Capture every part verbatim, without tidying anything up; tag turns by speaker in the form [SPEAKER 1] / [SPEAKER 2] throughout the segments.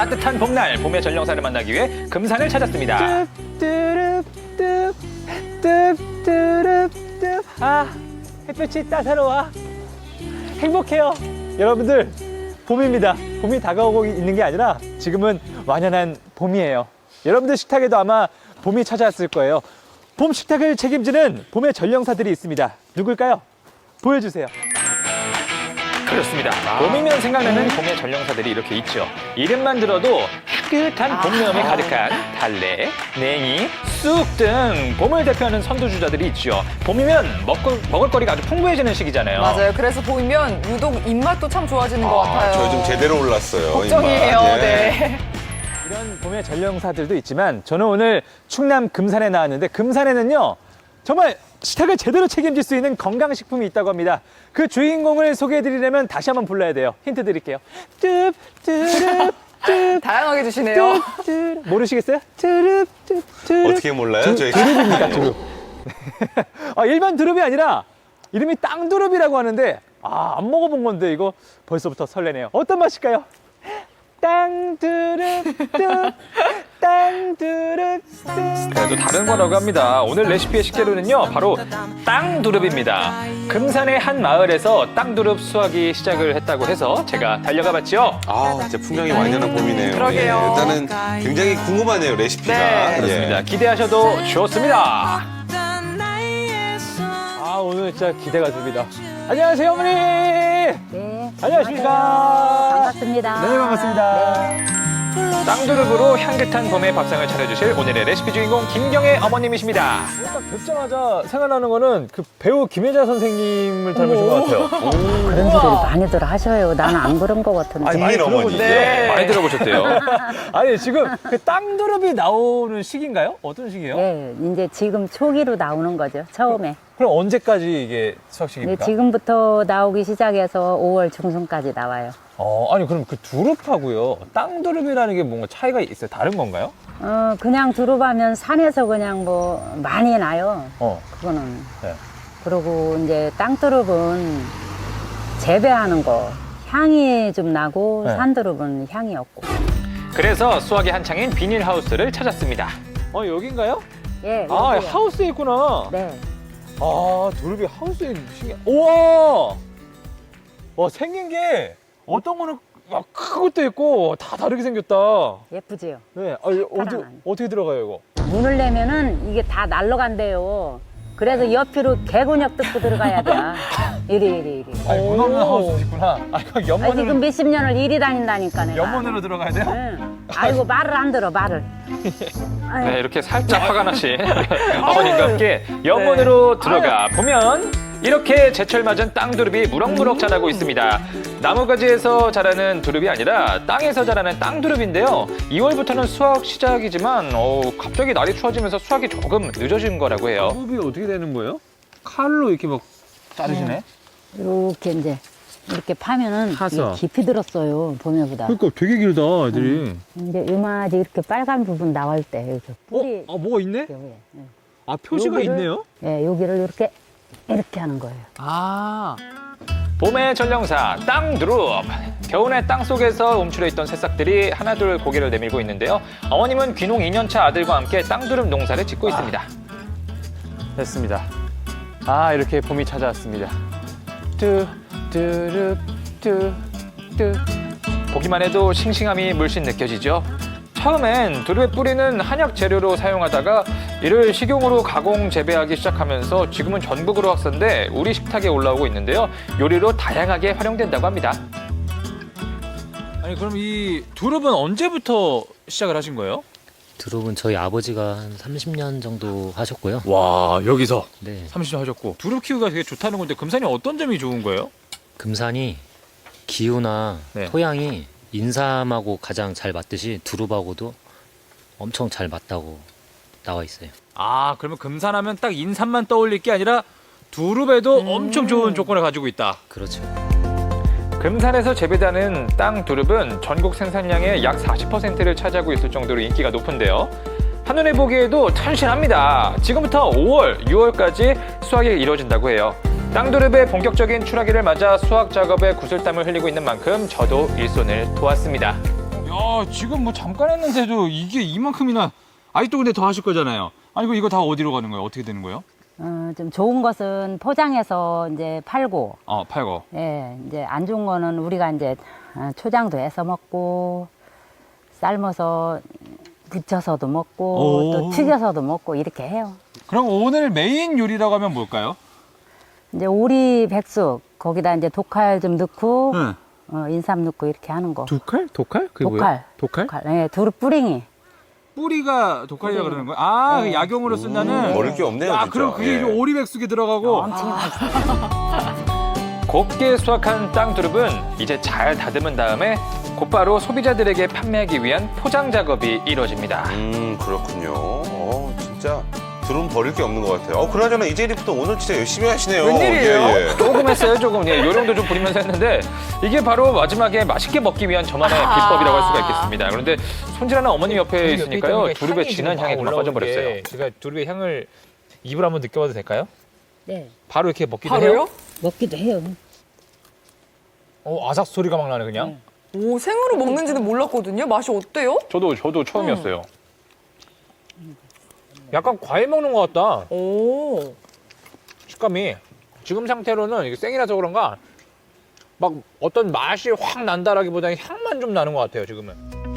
[SPEAKER 1] 따뜻한 봄날 봄의 전령사를 만나기 위해 금산을 찾았습니다.
[SPEAKER 2] 뚜뚜뚜뚜뚜뚜뚜. 아, 햇볕이 따사로워. 행복해요. 여러분들, 봄입니다. 봄이 다가오고 있는 게 아니라 지금은 완연한 봄이에요. 여러분들 식탁에도 아마 봄이 찾아왔을 거예요. 봄 식탁을 책임지는 봄의 전령사들이 있습니다. 누굴까요? 보여주세요.
[SPEAKER 1] 그렇습니다. 봄이면 생각나는 봄의 전령사들이 이렇게 있죠. 이름만 들어도 향긋한 봄내음이 가득한 달래, 냉이, 쑥 등 봄을 대표하는 선두주자들이 있죠. 봄이면 먹을, 먹을거리가 아주 풍부해지는 시기잖아요.
[SPEAKER 3] 맞아요. 그래서 보이면 유독 입맛도 참 좋아지는 것 같아요.
[SPEAKER 4] 저 요즘 제대로 올랐어요.
[SPEAKER 3] 걱정이에요.
[SPEAKER 4] 입맛. 예.
[SPEAKER 3] 네.
[SPEAKER 2] 이런 봄의 전령사들도 있지만 저는 오늘 충남 금산에 나왔는데 금산에는요 정말 식탁을 제대로 책임질 수 있는 건강식품이 있다고 합니다. 그 주인공을 소개해드리려면 다시 한번 불러야 돼요. 힌트 드릴게요. 뚜 뚜릅 뚜
[SPEAKER 3] 다양하게 주시네요.
[SPEAKER 2] 뚜 모르시겠어요? 뚜릅 뚜 뚜릅.
[SPEAKER 4] 어떻게 몰라요?
[SPEAKER 2] 두-
[SPEAKER 4] 저희
[SPEAKER 2] 두릅입니다. 두릅. 아, 일반 두릅이 아니라 이름이 땅두릅이라고 하는데 아, 안 먹어본 건데 이거 벌써부터 설레네요. 어떤 맛일까요? 땅두릅 뚜 땅두릅 뚜.
[SPEAKER 1] 그래도 다른 거라고 합니다. 오늘 레시피의 식재료는요, 바로 땅두릅입니다. 금산의 한 마을에서 땅두릅 수확이 시작을 했다고 해서 제가 달려가 봤죠.
[SPEAKER 4] 아, 진짜 풍경이 완전한 봄이네요.
[SPEAKER 3] 그러게요.
[SPEAKER 4] 예, 일단은 굉장히 궁금하네요, 레시피가.
[SPEAKER 3] 네.
[SPEAKER 1] 그렇습니다.
[SPEAKER 4] 예.
[SPEAKER 1] 기대하셔도 좋습니다.
[SPEAKER 2] 아, 오늘 진짜 기대가 됩니다. 안녕하세요, 어머니.
[SPEAKER 5] 네.
[SPEAKER 2] 안녕하십니까.
[SPEAKER 5] 반갑습니다.
[SPEAKER 2] 네, 반갑습니다.
[SPEAKER 5] 네.
[SPEAKER 1] 땅두릅으로 향긋한 봄의 밥상을 차려주실 오늘의 레시피 주인공 김경애 어머님이십니다.
[SPEAKER 2] 딱 뵙자마자 생각나는 거는 그 배우 김혜자 선생님을 닮으신 것 같아요.
[SPEAKER 5] 그런 소리를 많이들 하셔요. 나는 안 그런 것 같은데.
[SPEAKER 2] 아니, 많이
[SPEAKER 4] 국민 어머니.
[SPEAKER 2] 들어보셨죠?
[SPEAKER 3] 네.
[SPEAKER 1] 많이 들어보셨대요.
[SPEAKER 2] 아니, 지금 그 땅두릅이 나오는 시기인가요? 어떤 시기예요?
[SPEAKER 5] 네, 이제 지금 초기로 나오는 거죠. 처음에.
[SPEAKER 2] 그럼 언제까지 이게 수확
[SPEAKER 5] 네,
[SPEAKER 2] 시기입니까?
[SPEAKER 5] 지금부터 나오기 시작해서 오월 중순까지 나와요.
[SPEAKER 2] 어, 아니 그럼 그 두릅하고요. 땅두릅이라는 게 뭔가 차이가 있어요? 다른 건가요?
[SPEAKER 5] 어, 그냥 두릅하면 산에서 그냥 뭐 많이 나요.
[SPEAKER 2] 어.
[SPEAKER 5] 그거는.
[SPEAKER 2] 네.
[SPEAKER 5] 그리고 이제 땅두릅은 재배하는 거. 향이 좀 나고
[SPEAKER 2] 네.
[SPEAKER 5] 산두릅은 향이 없고.
[SPEAKER 1] 그래서 수확이 한창인 비닐하우스를 찾았습니다.
[SPEAKER 2] 어, 여긴가요?
[SPEAKER 5] 예.
[SPEAKER 2] 아,
[SPEAKER 5] 여기요.
[SPEAKER 2] 하우스에 있구나.
[SPEAKER 5] 네.
[SPEAKER 2] 아, 두릅이 하우스에 신기해. 우와! 와, 생긴 게 어떤 거는 막 큰 것도 있고 다 다르게 생겼다.
[SPEAKER 5] 예쁘지요.
[SPEAKER 2] 네. 아, 이거 어디,
[SPEAKER 5] 사랑하네.
[SPEAKER 2] 어떻게 들어가요, 이거?
[SPEAKER 5] 문을 내면은 이게 다 날라간대요. 그래서 옆으로 개구녁 뜯고 들어가야 돼. 이리 이리 이리.
[SPEAKER 2] 아니, 문 없는
[SPEAKER 5] 오.
[SPEAKER 2] 하우스 있구나. 아, 이거
[SPEAKER 5] 아,
[SPEAKER 2] 연문으로,
[SPEAKER 5] 지금 몇십 년을 이리 다닌다니까 내가.
[SPEAKER 2] 연문으로 들어가야 돼요?
[SPEAKER 5] 응. 아이고 말을 안 들어 말을. 아유,
[SPEAKER 1] 네, 이렇게 살짝 화가 나신 어머님과 함께 연문으로 들어가 보면 이렇게 제철 맞은 땅두릅이 무럭무럭 자라고 있습니다. 나무가지에서 자라는 두릅이 아니라 땅에서 자라는 땅두릅인데요. 이월부터는 수확 시작이지만 어, 갑자기 날이 추워지면서 수확이 조금 늦어진 거라고 해요.
[SPEAKER 2] 두릅이 어떻게 되는 거예요? 칼로 이렇게 막 자르시네?
[SPEAKER 5] 이렇게 이제 이렇게 파면은
[SPEAKER 2] 파서.
[SPEAKER 5] 이게 깊이 들었어요 봄에보다.
[SPEAKER 2] 그러니까 되게 길다, 애들이.
[SPEAKER 5] 이제 요마지 이렇게 빨간 부분 나올 때 이렇게 뿌리.
[SPEAKER 2] 어? 아, 뭐가 있네?
[SPEAKER 5] 이렇게 위에. 예.
[SPEAKER 2] 아, 표시가
[SPEAKER 5] 여기를-
[SPEAKER 2] 있네요?
[SPEAKER 5] 예, 여기를 이렇게 이렇게 하는 거예요.
[SPEAKER 2] 아.
[SPEAKER 1] 봄의 전령사 땅두릅. 겨우내 땅 속에서 움츠려 있던 새싹들이 하나둘 고개를 내밀고 있는데요. 어머님은 귀농 이 년 차 아들과 함께 땅두릅 농사를 짓고 있습니다.
[SPEAKER 2] 됐습니다. 아, 이렇게 봄이 찾아왔습니다. 뚜, 뚜릅, 뚜, 뚜.
[SPEAKER 1] 보기만 해도 싱싱함이 물씬 느껴지죠. 처음엔 두릅의 뿌리는 한약 재료로 사용하다가 이를 식용으로 가공 재배하기 시작하면서 지금은 전국으로 확산돼 우리 식탁에 올라오고 있는데요. 요리로 다양하게 활용된다고 합니다.
[SPEAKER 2] 아니, 그럼 이 두릅은 언제부터 시작을 하신 거예요?
[SPEAKER 6] 두릅은 저희 아버지가 한 삼십 년 정도 하셨고요.
[SPEAKER 2] 와, 여기서
[SPEAKER 6] 네,
[SPEAKER 2] 삼십 년 하셨고. 두릅 키우기가 되게 좋다는 건데 금산이 어떤 점이 좋은 거예요?
[SPEAKER 6] 금산이 기후나
[SPEAKER 2] 네.
[SPEAKER 6] 토양이 인삼하고 가장 잘 맞듯이 두릅하고도 엄청 잘 맞다고 나와 있어요.
[SPEAKER 2] 아, 그러면 금산하면 딱 인삼만 떠올릴 게 아니라 두릅에도 엄청 좋은 조건을 가지고 있다.
[SPEAKER 6] 그렇죠.
[SPEAKER 1] 금산에서 재배되는 땅 두릅은 전국 생산량의 약 사십 퍼센트를 차지하고 있을 정도로 인기가 높은데요. 한눈에 보기에도 튼실합니다. 지금부터 오월, 유월까지 수확이 이루어진다고 해요. 땅두릅의 본격적인 출하기를 맞아 수확 작업에 구슬땀을 흘리고 있는 만큼 저도 일손을 도왔습니다.
[SPEAKER 2] 야, 와, 지금 뭐 잠깐 했는데도 이게 이만큼이나 아직도 근데 더 하실 거잖아요. 아니, 이거, 이거 다 어디로 가는 거예요? 어떻게 되는 거예요?
[SPEAKER 5] 어, 좀 좋은 것은 포장해서 이제 팔고,
[SPEAKER 2] 어, 팔고.
[SPEAKER 5] 예, 이제 안 좋은 거는 우리가 이제 어, 초장도 해서 먹고, 삶아서 부쳐서도 먹고,
[SPEAKER 2] 오.
[SPEAKER 5] 또 튀겨서도 먹고 이렇게 해요.
[SPEAKER 2] 그럼 오늘 메인 요리라고 하면 뭘까요?
[SPEAKER 5] 이제 오리 백숙 거기다 이제 독칼 좀 넣고,
[SPEAKER 2] 응.
[SPEAKER 5] 어, 인삼 넣고 이렇게 하는 거.
[SPEAKER 2] 독칼? 독칼? 그게
[SPEAKER 5] 독칼.
[SPEAKER 2] 뭐예요? 독칼?
[SPEAKER 5] 독칼. 예, 두릅 뿌링이.
[SPEAKER 2] 뿌리가 독칼이라고 그러는 거예요? 아, 그 약용으로 쓴다는?
[SPEAKER 4] 모를 게 없네요,
[SPEAKER 2] 아,
[SPEAKER 4] 진짜.
[SPEAKER 2] 그럼 그게
[SPEAKER 4] 예.
[SPEAKER 2] 이제 오리백숙에 들어가고.
[SPEAKER 5] 엄청 맛있어요.
[SPEAKER 1] 곱게 수확한 땅 두릅은 이제 잘 다듬은 다음에 곧바로 소비자들에게 판매하기 위한 포장 작업이 이루어집니다.
[SPEAKER 4] 음, 그렇군요. 어, 진짜 두릅 버릴 게 없는 것 같아요. 어, 그나저나 이재리부터 오늘 진짜 열심히 하시네요.
[SPEAKER 3] 웬일이에요?
[SPEAKER 4] 예, 예.
[SPEAKER 1] 조금 했어요, 조금. 예, 요령도 좀 부리면서 했는데 이게 바로 마지막에 맛있게 먹기 위한 저만의
[SPEAKER 3] 아.
[SPEAKER 1] 비법이라고 할 수가 있겠습니다. 그런데 손질하는 어머님 옆에 있으니까요, 두릅의 진한 향에 그만 빠져버렸어요.
[SPEAKER 2] 제가 두릅의 향을 입으로 한번 느껴봐도 될까요?
[SPEAKER 5] 네.
[SPEAKER 2] 바로 이렇게 먹기도
[SPEAKER 3] 바로요?
[SPEAKER 2] 해요?
[SPEAKER 5] 먹기도 해요.
[SPEAKER 2] 어, 아삭 소리가 막 나네, 그냥.
[SPEAKER 3] 오, 생으로 먹는지는 몰랐거든요. 맛이 어때요?
[SPEAKER 1] 저도 저도 처음이었어요.
[SPEAKER 2] 약간 과일 먹는 것 같다.
[SPEAKER 3] 오.
[SPEAKER 2] 식감이. 지금 상태로는 이게 생이라서 그런가 막 어떤 맛이 확 난다라기보다는 향만 좀 나는 것 같아요, 지금은.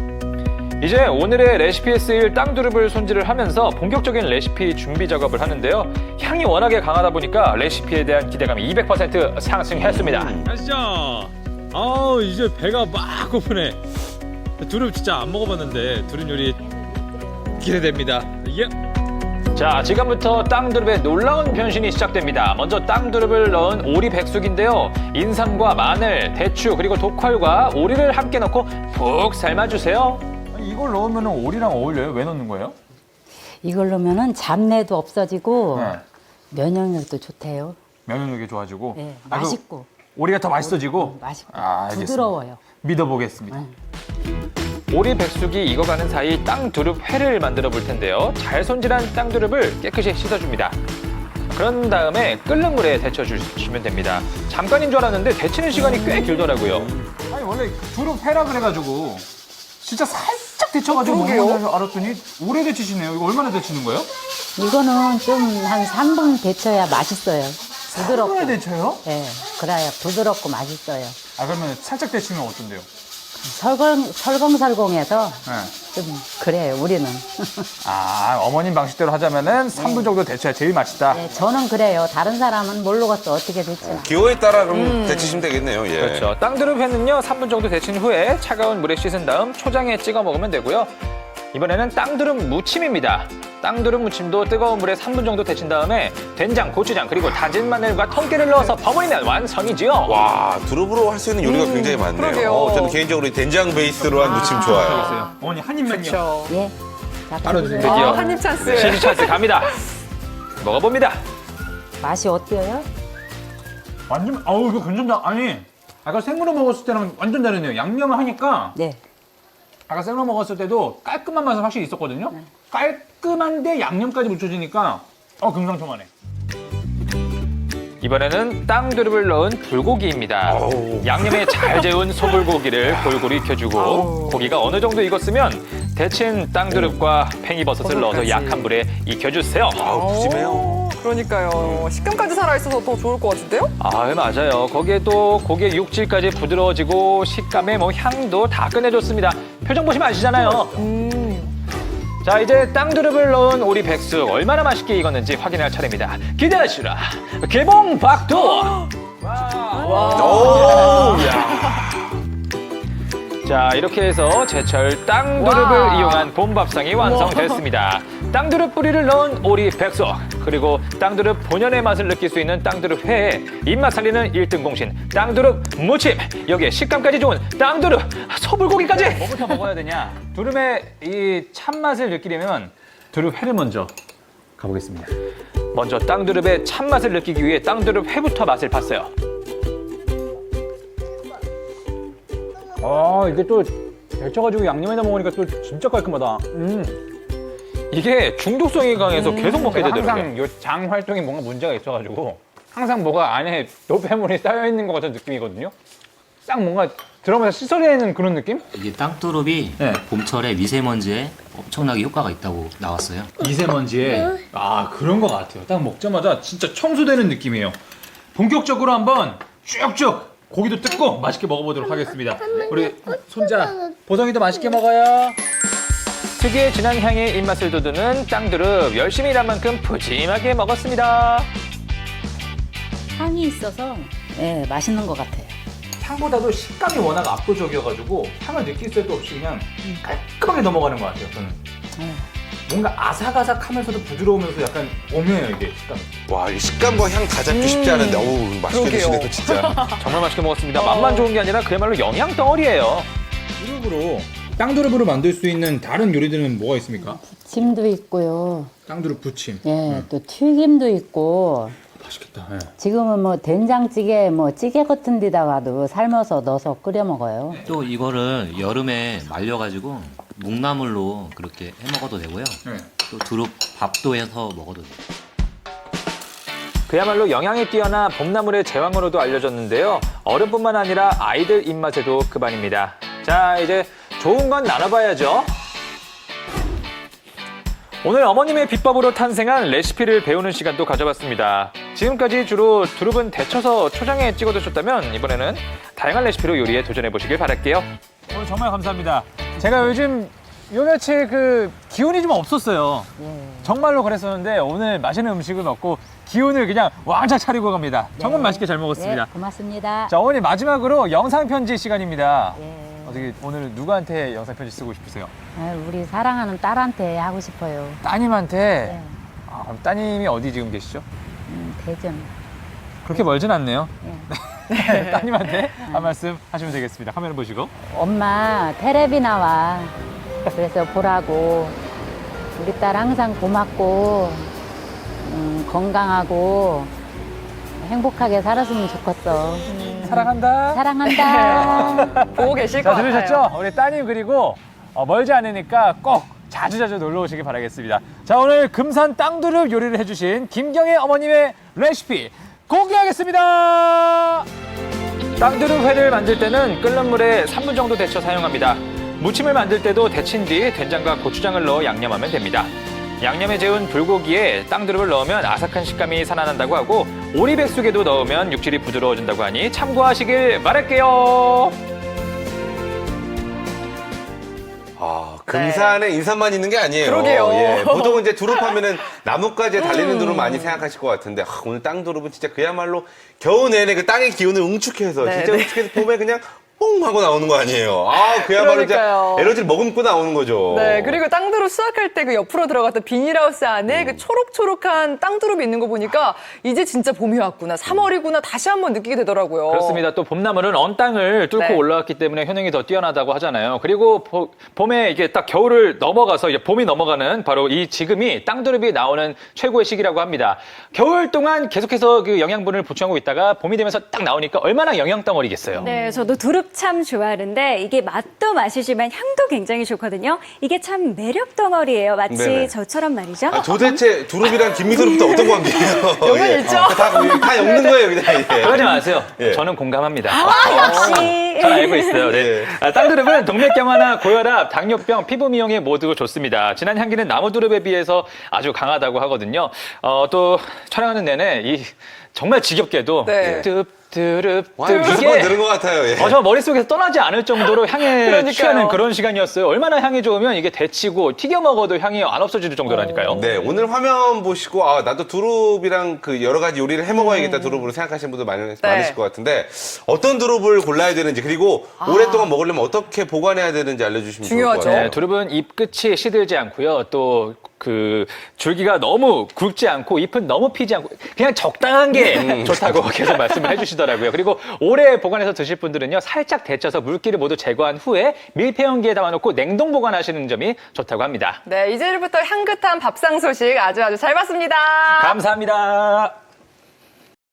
[SPEAKER 1] 이제 오늘의 레시피에 쓰일 땅두릅을 손질을 하면서 본격적인 레시피 준비 작업을 하는데요. 향이 워낙에 강하다 보니까 레시피에 대한 기대감이 이백 퍼센트 상승했습니다.
[SPEAKER 2] 가시죠. 아우, 이제 배가 막 고프네. 두릅 진짜 안 먹어봤는데 두릅 요리 기대됩니다. 예.
[SPEAKER 1] 자, 지금부터 땅두릅의 놀라운 변신이 시작됩니다. 먼저 땅두릅을 넣은 오리 백숙인데요. 인삼과 마늘, 대추, 그리고 독활과 오리를 함께 넣고 푹 삶아주세요.
[SPEAKER 2] 이걸 넣으면 오리랑 어울려요? 왜 넣는 거예요?
[SPEAKER 5] 이걸 넣으면은 잡내도 없어지고
[SPEAKER 2] 네.
[SPEAKER 5] 면역력도 좋대요.
[SPEAKER 2] 면역력이 좋아지고.
[SPEAKER 5] 예,
[SPEAKER 2] 아, 그
[SPEAKER 5] 맛있고
[SPEAKER 2] 오리가 더 맛있어지고.
[SPEAKER 5] 맛있고
[SPEAKER 2] 아, 알겠습니다.
[SPEAKER 5] 부드러워요.
[SPEAKER 2] 믿어보겠습니다.
[SPEAKER 1] 오리 백숙이 익어가는 사이 땅두릅 회를 만들어 볼 텐데요. 잘 손질한 땅두릅을 깨끗이 씻어줍니다. 그런 다음에 끓는 물에 데쳐주시면 됩니다. 잠깐인 줄 알았는데 데치는 시간이 꽤 길더라고요.
[SPEAKER 2] 아니, 원래 두릅 회라 그래가지고 진짜 살짝 데쳐가지고
[SPEAKER 3] 그러게요.
[SPEAKER 2] 먹는 줄 알았더니 오래 데치시네요. 이거 얼마나 데치는 거예요?
[SPEAKER 5] 이거는 좀 한 삼 분 데쳐야 맛있어요. 부드럽고.
[SPEAKER 2] 오래 데쳐요?
[SPEAKER 5] 예, 그래야 부드럽고 맛있어요.
[SPEAKER 2] 아, 그러면 살짝 데치면 어떤데요?
[SPEAKER 5] 설렁, 설렁설렁해서
[SPEAKER 2] 네.
[SPEAKER 5] 좀 그래요, 우리는.
[SPEAKER 2] 아, 어머님 방식대로 하자면은 삼 분 정도 데쳐야 제일 맛있다.
[SPEAKER 5] 네, 저는 그래요. 다른 사람은 모르겠어, 어떻게 데치나.
[SPEAKER 4] 기호에 따라 그럼 데치시면 되겠네요. 예.
[SPEAKER 1] 그렇죠. 땅두릅 회는요, 삼 분 정도 데친 후에 차가운 물에 씻은 다음 초장에 찍어 먹으면 되고요. 이번에는 땅두릅 무침입니다. 땅두릅 무침도 뜨거운 물에 삼 분 정도 데친 다음에 된장, 고추장, 그리고 다진 마늘과 통깨를 넣어서 버무리면 완성이지요.
[SPEAKER 4] 와, 두릅으로 할 수 있는 요리가 굉장히 많네요.
[SPEAKER 3] 그러게요.
[SPEAKER 4] 어, 저는 개인적으로 이 된장 베이스로 한 무침 좋아해요.
[SPEAKER 2] 어머니 한 입만요.
[SPEAKER 3] 그렇죠.
[SPEAKER 5] 예. 자,
[SPEAKER 2] 바로
[SPEAKER 5] 드세요.
[SPEAKER 2] 드세요.
[SPEAKER 3] 아, 한입 찬스.
[SPEAKER 1] 시즈 찬스 갑니다. 먹어봅니다.
[SPEAKER 5] 맛이 어때요?
[SPEAKER 2] 완전 아우 이거 괜찮다. 아니 아까 생으로 먹었을 때랑 완전 다르네요. 양념을 하니까
[SPEAKER 5] 네.
[SPEAKER 2] 아까 생으로 먹었을 때도 깔끔한 맛은 확실히 있었거든요. 깔끔한데 양념까지 묻혀지니까 어 금상첨화네.
[SPEAKER 1] 이번에는 땅두릅을 넣은 불고기입니다. 양념에 잘 재운 소불고기를 골고루 익혀주고 고기가 어느 정도 익었으면 데친 땅두릅과 팽이버섯을 넣어서 약한 불에 익혀주세요.
[SPEAKER 4] 아우, 푸짐해요.
[SPEAKER 3] 오, 그러니까요. 식감까지 살아있어서 더 좋을 것 같은데요?
[SPEAKER 1] 아, 맞아요. 거기에 또 고기의 육질까지 부드러워지고 식감에 뭐 향도 다 끝내줬습니다. 표정 보시면 아시잖아요.
[SPEAKER 3] 음.
[SPEAKER 1] 자, 이제 땅두릅을 넣은 오리 백숙 얼마나 맛있게 익었는지 확인할 차례입니다. 기대하시라. 개봉 박두.
[SPEAKER 4] 오,
[SPEAKER 1] 자, 이렇게 해서 제철 땅두릅을
[SPEAKER 3] 와.
[SPEAKER 1] 이용한 봄밥상이 완성됐습니다. 땅두릅 뿌리를 넣은 오리 백숙, 그리고 땅두릅 본연의 맛을 느낄 수 있는 땅두릅 회에 입맛 살리는 일 등 공신 땅두릅 무침, 여기에 식감까지 좋은 땅두릅 소불고기까지. 뭐부터 먹어야 되냐? 두릅의 이 참맛을 느끼려면 두릅 회를 먼저 가보겠습니다. 먼저 땅두릅의 참맛을 느끼기 위해 땅두릅 회부터 맛을 봤어요.
[SPEAKER 2] 아 이게 또 데쳐가지고 양념에다 먹으니까 또 진짜 깔끔하다. 음.
[SPEAKER 1] 이게 중독성이 강해서 계속 먹게
[SPEAKER 2] 제가
[SPEAKER 1] 되더라고요.
[SPEAKER 2] 항상 요 장 활동에 뭔가 문제가 있어가지고 항상 뭐가 안에 노폐물이 쌓여 있는 것 같은 느낌이거든요. 딱 뭔가 들어가면서 씻어내는 그런 느낌?
[SPEAKER 6] 이게 땅두릅이
[SPEAKER 2] 네.
[SPEAKER 6] 봄철에 미세먼지에 엄청나게 효과가 있다고 나왔어요.
[SPEAKER 2] 미세먼지에 아 그런 것 같아요. 딱 먹자마자 진짜 청소되는 느낌이에요. 본격적으로 한번 쭉쭉 고기도 뜯고 맛있게 먹어보도록 하겠습니다. 우리 손자 보성이도 맛있게 먹어요.
[SPEAKER 1] 특유의 진한 향이 입맛을 돋우는 땅두릅 열심히 일한 만큼 푸짐하게 먹었습니다.
[SPEAKER 5] 향이 있어서 예, 맛있는 것 같아요.
[SPEAKER 2] 향보다도 식감이 워낙 압도적이어가지고 향을 느낄 새도 없이 그냥 깔끔하게 넘어가는 것 같아요. 저는
[SPEAKER 5] 네.
[SPEAKER 2] 뭔가 아삭아삭하면서도 부드러우면서 약간 오묘해요 이게 식감이.
[SPEAKER 4] 와, 이 식감과 향 다 잡기 쉽지 않은데, 어우, 맛있게
[SPEAKER 3] 그러게요.
[SPEAKER 4] 드시네요, 진짜.
[SPEAKER 1] 정말 맛있게 먹었습니다. 맛만 좋은 게 아니라 그야말로 영양 덩어리예요.
[SPEAKER 2] 두릅으로 땅두릅으로 만들 수 있는 다른 요리들은 뭐가 있습니까?
[SPEAKER 5] 부침도 있고요.
[SPEAKER 2] 땅두릅 부침.
[SPEAKER 5] 예, 또 튀김도 있고.
[SPEAKER 2] 맛있겠다. 예.
[SPEAKER 5] 지금은 뭐 된장찌개, 뭐 찌개 같은 데다가도 삶아서 넣어서 끓여 먹어요.
[SPEAKER 6] 또 이거를 여름에 말려가지고 묵나물로 그렇게 해 먹어도 되고요.
[SPEAKER 2] 네.
[SPEAKER 6] 또 두릅 밥도 해서 먹어도 돼요.
[SPEAKER 1] 그야말로 영양이 뛰어나 봄나물의 제왕으로도 알려졌는데요. 어른뿐만 아니라 아이들 입맛에도 그반입니다. 자, 이제 좋은 건 나눠봐야죠. 오늘 어머님의 비법으로 탄생한 레시피를 배우는 시간도 가져봤습니다. 지금까지 주로 두릅은 데쳐서 초장에 찍어 드셨다면 이번에는 다양한 레시피로 요리에 도전해보시길 바랄게요.
[SPEAKER 2] 오늘 정말 감사합니다. 제가 요즘 요 며칠 그 기운이 좀 없었어요. 정말로 그랬었는데 오늘 맛있는 음식을 먹고 기운을 그냥 왕창 차리고 갑니다. 정말
[SPEAKER 5] 네.
[SPEAKER 2] 맛있게 잘 먹었습니다.
[SPEAKER 5] 네, 고맙습니다.
[SPEAKER 2] 자, 어머니 마지막으로 영상 편지 시간입니다.
[SPEAKER 5] 예.
[SPEAKER 2] 어떻게 오늘 누구한테 영상 편지 쓰고 싶으세요?
[SPEAKER 5] 아, 우리 사랑하는 딸한테 하고 싶어요.
[SPEAKER 2] 따님한테.
[SPEAKER 5] 네.
[SPEAKER 2] 아, 그럼 따님이 어디 지금 계시죠?
[SPEAKER 5] 음, 대전.
[SPEAKER 2] 그렇게 멀진 않네요.
[SPEAKER 5] 예.
[SPEAKER 2] 따님한테 한 말씀 하시면 되겠습니다. 화면 보시고.
[SPEAKER 5] 엄마 테레비 나와. 그래서 보라고. 우리 딸 항상 고맙고 음, 건강하고 행복하게 살았으면 좋겠어.
[SPEAKER 2] 사랑한다.
[SPEAKER 5] 사랑한다.
[SPEAKER 3] 보고 계실
[SPEAKER 2] 자,
[SPEAKER 3] 것 같아요.
[SPEAKER 2] 들으셨죠? 우리 따님 그리고 어, 멀지 않으니까 꼭 자주자주 놀러 오시길 바라겠습니다. 자, 오늘 금산 땅두릅 요리를 해주신 김경애 어머님의 레시피 공개하겠습니다.
[SPEAKER 1] 땅두릅 회를 만들 때는 끓는 물에 삼 분 정도 데쳐 사용합니다. 무침을 만들 때도 데친 뒤 된장과 고추장을 넣어 양념하면 됩니다. 양념에 재운 불고기에 땅두릅을 넣으면 아삭한 식감이 살아난다고 하고 오리백숙에도 넣으면 육질이 부드러워진다고 하니 참고하시길 바랄게요.
[SPEAKER 4] 아, 금산에 인삼만 있는 게 아니에요.
[SPEAKER 3] 그러게요.
[SPEAKER 4] 예, 보통 이제 두릅하면은 나뭇가지에 달리는 두릅 많이 생각하실 것 같은데, 아, 오늘 땅두릅은 진짜 그야말로 겨우 내내 그 땅의 기운을 응축해서,
[SPEAKER 3] 네,
[SPEAKER 4] 진짜
[SPEAKER 3] 네.
[SPEAKER 4] 응축해서 봄에 그냥 뽕 하고 나오는 거 아니에요. 아, 그야말로
[SPEAKER 3] 그러니까요.
[SPEAKER 4] 진짜 에너지를 머금고 나오는 거죠.
[SPEAKER 3] 네, 그리고 땅두릅 수확할 때 그 옆으로 들어갔던 비닐하우스 안에 그 초록초록한 땅두릅이 있는 거 보니까 이제 진짜 봄이 왔구나, 삼월이구나 다시 한번 느끼게 되더라고요.
[SPEAKER 1] 그렇습니다. 또 봄나물은 언 땅을 뚫고
[SPEAKER 3] 네.
[SPEAKER 1] 올라왔기 때문에 효능이 더 뛰어나다고 하잖아요. 그리고 보- 봄에 이게 딱 겨울을 넘어가서 이제 봄이 넘어가는 바로 이 지금이 땅두릅이 나오는 최고의 시기라고 합니다. 겨울 동안 계속해서 그 영양분을 보충하고 있다가 봄이 되면서 딱 나오니까 얼마나 영양 덩어리겠어요.
[SPEAKER 7] 네, 저도 두릅 참 좋아하는데 이게 맛도 맛이지만 향도 굉장히 좋거든요. 이게 참 매력 덩어리예요. 마치
[SPEAKER 4] 네네.
[SPEAKER 7] 저처럼 말이죠.
[SPEAKER 4] 아, 도대체 두릅이랑 김미두릅도 어떤 관계예요?
[SPEAKER 3] 요건
[SPEAKER 4] 예.
[SPEAKER 3] 있죠?
[SPEAKER 4] 다, 다 엮는 거예요, 그냥. 예.
[SPEAKER 1] 그러지 마세요.
[SPEAKER 4] 예.
[SPEAKER 1] 저는 공감합니다.
[SPEAKER 7] 아, 역시.
[SPEAKER 1] 잘 알고 있어요. 네.
[SPEAKER 4] 예.
[SPEAKER 1] 아, 땅두릅은 동맥경화나 고혈압, 당뇨병, 피부 미용에 모두 좋습니다. 진한 향기는 나무두릅에 비해서 아주 강하다고 하거든요. 어, 또 촬영하는 내내 이 정말 지겹게도
[SPEAKER 3] 네.
[SPEAKER 1] 뚜릅뚜릅
[SPEAKER 4] 와,
[SPEAKER 1] 뚜릅
[SPEAKER 4] 여섯 번
[SPEAKER 1] 이게
[SPEAKER 4] 들은 것 같아요. 예.
[SPEAKER 1] 어, 저 머릿속에서 떠나지 않을 정도로 향에
[SPEAKER 3] 그러니까요.
[SPEAKER 1] 취하는 그런 시간이었어요. 얼마나 향이 좋으면 이게 데치고 튀겨 먹어도 향이 안 없어질 정도라니까요.
[SPEAKER 4] 네, 오늘 화면 보시고, 아, 나도 두릅이랑 그 여러 가지 요리를 해 먹어야겠다, 두릅으로 생각하시는 분들 많, 많으실 것 같은데, 어떤 두릅을 골라야 되는지, 그리고 오랫동안 먹으려면 어떻게 보관해야 되는지 알려주시면 좋을 것
[SPEAKER 3] 중요하죠.
[SPEAKER 4] 같아요.
[SPEAKER 1] 네, 두릅은 잎 끝이 시들지 않고요. 또 그 줄기가 너무 굵지 않고 잎은 너무 피지 않고 그냥 적당한 게 좋다고 계속 말씀을 해주시더라고요. 그리고 오래 보관해서 드실 분들은요, 살짝 데쳐서 물기를 모두 제거한 후에 밀폐용기에 담아놓고 냉동 보관하시는 점이 좋다고 합니다.
[SPEAKER 3] 네, 이제부터 향긋한 밥상 소식 아주 아주 잘 봤습니다.
[SPEAKER 1] 감사합니다.